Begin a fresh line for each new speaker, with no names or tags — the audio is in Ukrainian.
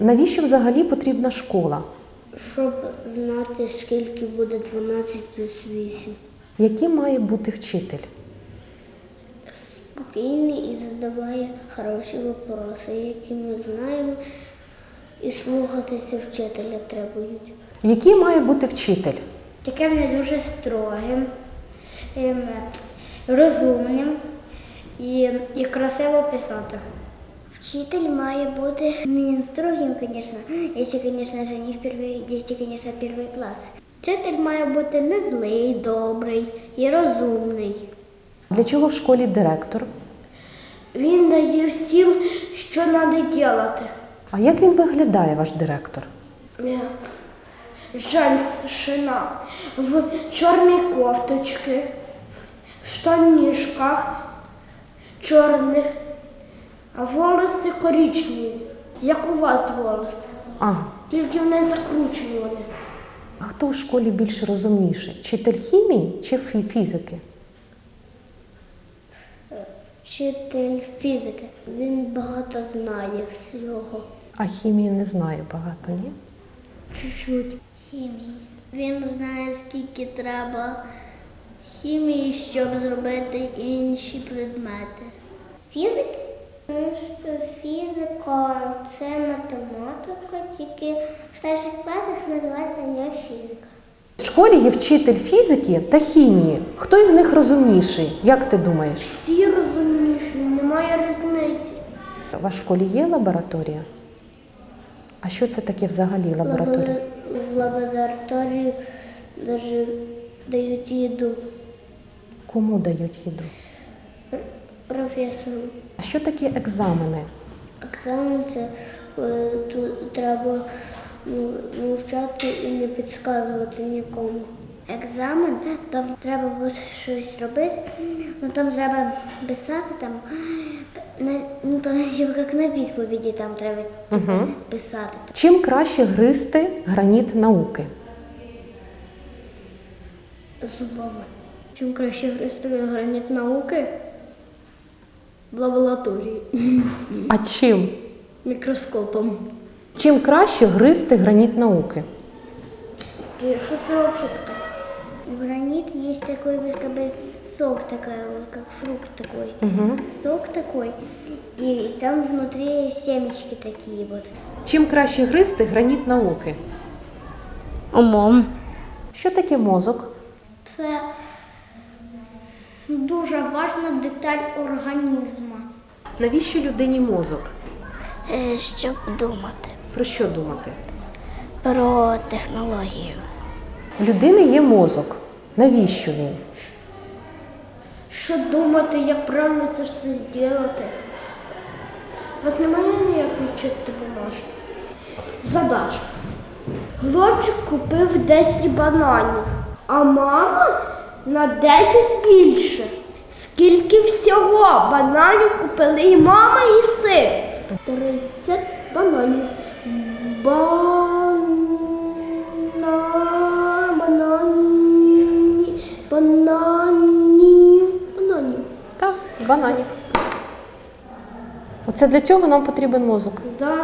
Навіщо взагалі потрібна школа?
Щоб знати, скільки буде 12 плюс 8.
Яким має бути вчитель?
Спокійний і задаває хороші вопроси, які ми знаємо, і слухатися вчителя требують.
Який має бути вчитель?
Таким не дуже строгим, розумним і красиво писати. Вчитель має бути не строгим, звісно, якщо, звісно, перший клас. Вчитель має бути не злий, добрий і розумний.
Для чого в школі директор?
Він дає всім, що треба робити.
А як він виглядає, ваш директор?
Женщина в чорній кофточці, в штанішках чорних, а волоси коричневі, як у вас волоси.
Ага.
Тільки вони закручувані.
А хто в школі більш розумніший? Вчитель хімії чи фізики?
Вчитель фізики. Він багато знає всього.
А хімії не знаю багато, ні?
Чуть-чуть. Хімії. Він знає, скільки треба хімії, щоб зробити інші предмети. Фізики? Фізика – це математика, тільки в старших класах називається не фізика.
В школі є вчитель фізики та хімії. Хто із них розумніший? Як ти думаєш?
Всі розумніші, немає різниці.
У вас в школі є лабораторія? А що це таке взагалі лабораторія?
В лабораторії навіть дають їду
Кому дають їду?
професору.
А що таке екзамени?
Екзамен – це тут треба мовчати і не підказувати нікому. Екзамен, там треба буде щось робити, там треба писати, як на відповіді там треба писати.
Чим краще гризти граніт науки?
Зубами. Чим краще гризти граніт науки? В лабораторії.
А чим?
Мікроскопом.
Чим краще гризти граніт науки?
Что это вообще такое? В гранит есть такой вот как бы сок такой, вот как фрукт такой. Сок такой, и там внутри семечки такие вот.
Чим краще гризти граніт науки?
Умом.
Що таке мозок?
Це дуже важна деталь організму.
Навіщо людині мозок?
Щоб думати
Про що думати?
про технологію.
В людини є мозок. Навіщо він?
Що думати, як правильно це все зробити? У вас немає ніякої чисто бумажки? Задача. Хлопчик купив 10 бананів, а мама на 10 більше. Скільки всього бананів купили і мама, і син? 30 бананів. Бананів.
Так, бананів. Оце для цього нам потрібен мозок.
Да.